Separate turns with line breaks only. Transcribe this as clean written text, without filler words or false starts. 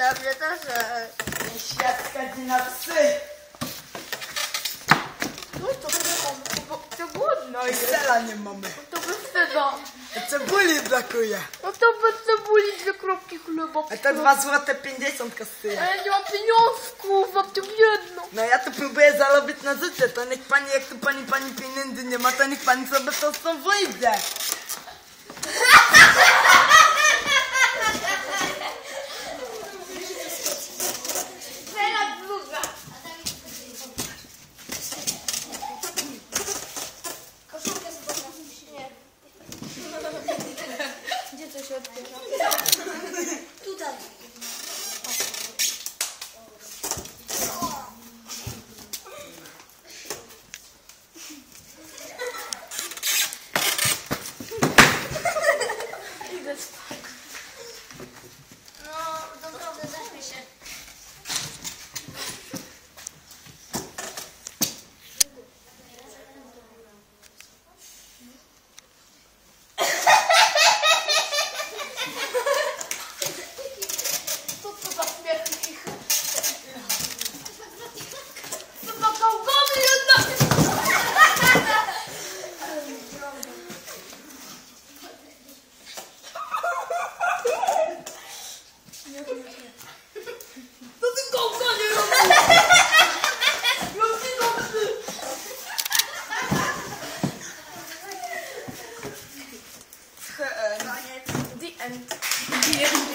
dla mnie też.
Świadka na psy.
No to głodno jest.
Sela nie mamy.
To bez tego.
Cebuli brakuje.
No to bez cebuli 2 kropki chleba.
A to 2 zł 50 kosztuje.
Ale nie mam pieniążków, mam tu jedno.
No ja tu próbuję zarobić na życie, to niech pani, jak tu pani pieniędzy nie ma, to niech pani sobie to stąd wyjdzie.
Gdzie to się odbierze?
Tutaj.
Idę spać.
No, naprawdę zaśmiej się.
Co za śmierć ich? Co za gałgany jednak? To ty gałganie robisz? The end.